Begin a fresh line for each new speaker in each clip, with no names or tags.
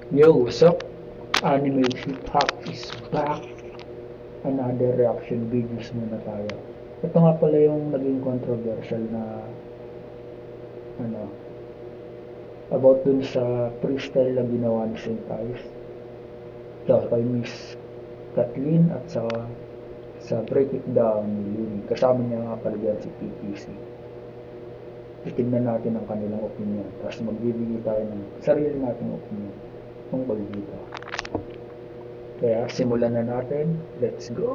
Yo, what's up? Anime Hip Hop is back. Another reaction videos muna tayo. Ito nga pala yung naging controversial na ano, about dun sa freestyle na ginawa ni Saint Ives. So, kay Miss Kathleen at sa Break It Down ni Luni. Kasama niya nga pala dyan si PPC. Titignan natin ang kanilang opinion. Tapos magbibigay tayo ng sarili nating opinion tungkol dito. Kaya simulan na natin. Let's go!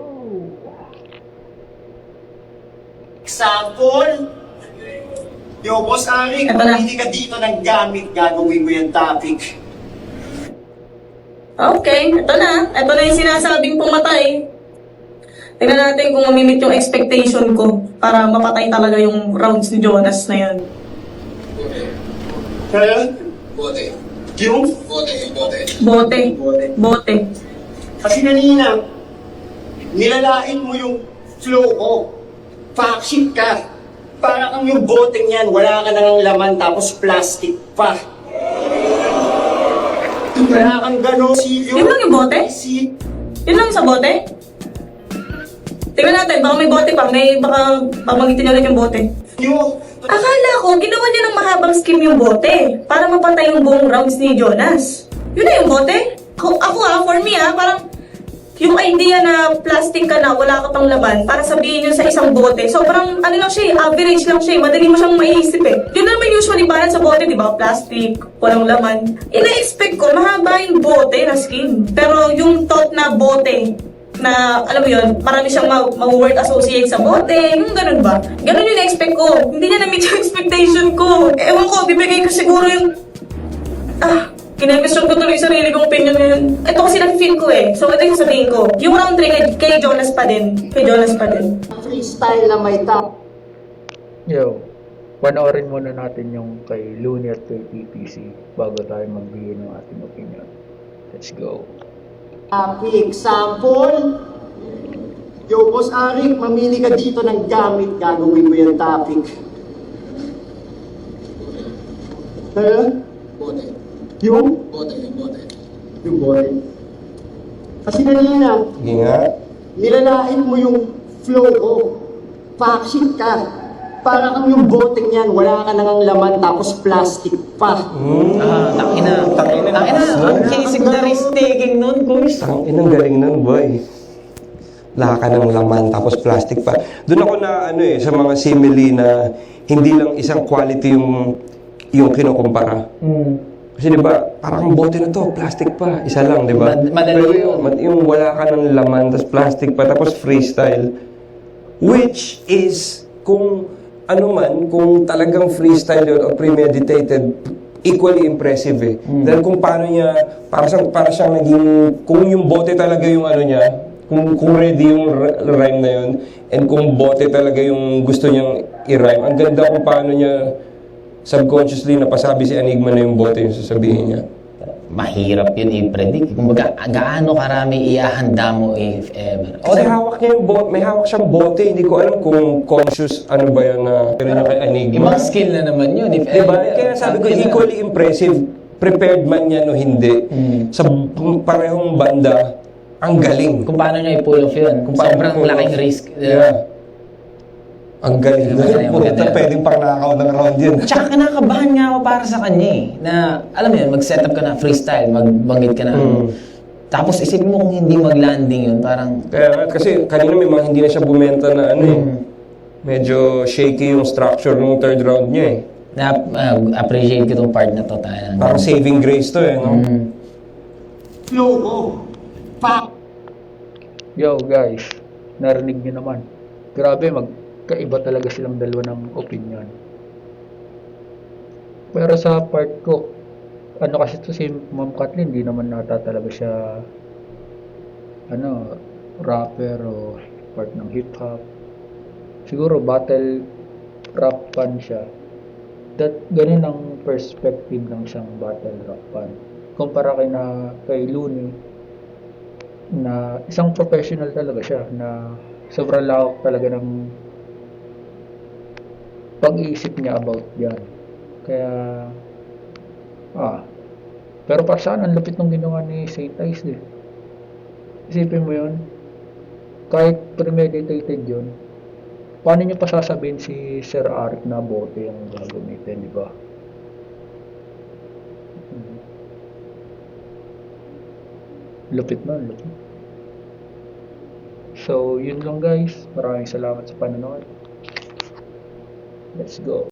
Example, yo, Boss Arik,
Ito na.
pumili ka dito ng gamit, gagawin mo yung topic.
Okay, ito na. Ito na yung sinasabing pumatay. Tingnan natin kung mamimit yung expectation ko para mapatay talaga yung rounds ni Jonas na yan.
Kaya,
Bote.
yung,
Bote.
Bote.
kasi kanina, nilalait mo yung flow ko. Fact ka. Para kang yung boteng yan, wala ka nang laman tapos plastic pa. Wala kang gano'n.
Yun lang yung bote? Yun lang sa bote? Tingnan natin, baka may bote pa. Baka pabangitin ulit yung bote.
Yo,
Akala ko, ginawa niya ng mahabang scheme yung bote para mapatay yung buong rounds ni Jonas. Yun na yung bote? For me parang yung idea na plastic ka na, wala ka pang laman, para sabihin yun sa isang bote. Sobrang, ano lang siya, average lang siya, madali mo siyang maiisip Yun naman usually balance sa bote, di ba? Plastic, walang laman. Ina-expect ko, mahaba yung bote na scheme. Pero yung thought na bote, na, alam mo yun, marami siyang mag-word associate sa bote, yung ganun ba? Ganun yung na-expect ko. Hindi niya na-meet yung expectation ko. Ewan ko, bibigay ko siguro yung, kinag-question ko tuloy yung sarili kong opinion ngayon. Ito kasi nag-feel ko So, ito yung sabihin ko. Yung round 3 kay Jonas pa din. Kay Jonas pa din.
freestyle na may top.
Yo, panoorin muna natin yung kay Looney at kay PPC bago tayo magbigay ng ating opinion. Let's go.
Example, yo, Boss Arik, mamili ka dito ng gamit, gagawin mo yung topic.
Bote.
Yung
Bote.
boy. Kasi kanina, nilalait mo yung flow ko. Fact ka. Para kang yung boteng yan, wala ka nang laman tapos plastic pa.
Tangina. Ang kisig na risk taking nun, Kuys.
Inang galing nun, boy. Laka ng laman, tapos plastic pa. Doon ako na, sa mga simile na hindi lang isang quality yung kinukumpara. Kasi di ba, parang bote na to, plastic pa, isa lang, di ba?
Madali
Pero
yun.
yung wala ka ng laman, tapos plastic pa, tapos freestyle. Which is, kung kung talagang freestyle yun o premeditated, equally impressive Dahil kung paano niya, para siyang naging, kung yung bote talaga yung niya, kung ready yung rhyme na yun, and kung bote talaga yung gusto niyang i-rhyme, ang ganda kung paano niya subconsciously napasabi si Enigma na yung bote yung sasabihin niya.
Mahirap yun i-predict. Kumbaga, gaano karami iahanda mo if ever.
Kasi hawak niya yung bote, may hawak siyang bote, hindi ko alam kung conscious ba yan na pero niya kay Enigma.
Ibang skill na naman yun if
Diba?
ever.
Kaya sabi ko, equally impressive, prepared man yan o hindi, sa parehong banda, ang galing.
Kung paano niya i-pull off yun.
Kung paano
Sobrang
i-pull
laking
off.
risk.
Yeah. Ang galing.
Maganda.
Pwedeng pang nakaw ng round yun.
Tsaka kinakabahan nga ako para sa kanya na, alam mo yun, mag-setup ka na freestyle, magbanggit ka na. Tapos isipin mo kung hindi mag-landing yun, parang...
Kaya kasi kanina may mga hindi na siya bumenta na medyo shaky yung structure ng third round niya
appreciate ko itong part na to tayo.
Parang saving grace to no?
Flow ko. Fact.
Yo guys, narinig niyo naman. Grabe, magkaiba talaga silang dalawa ng opinion. Pero sa part ko, kasi to si Ma'am Kathleen, hindi naman nata talaga siya rapper o part ng hip hop. Siguro battle rap fan siya. Ganun ang perspective ng isang battle rap fan. Kumpara kay Looney, na isang professional talaga siya, na sobrang lawak talaga ng pag-iisip niya about yan. Kaya Pero para saan, ang lupit nung ginawa ni Saint Ice eh. Isipin mo yun, kahit premeditated yun, paano nyo pa sasabihin si Sir Arik na bote yung gagamitin, di ba? Lupit na, lupit. So, yun lang guys. Maraming salamat sa panonood. Let's go.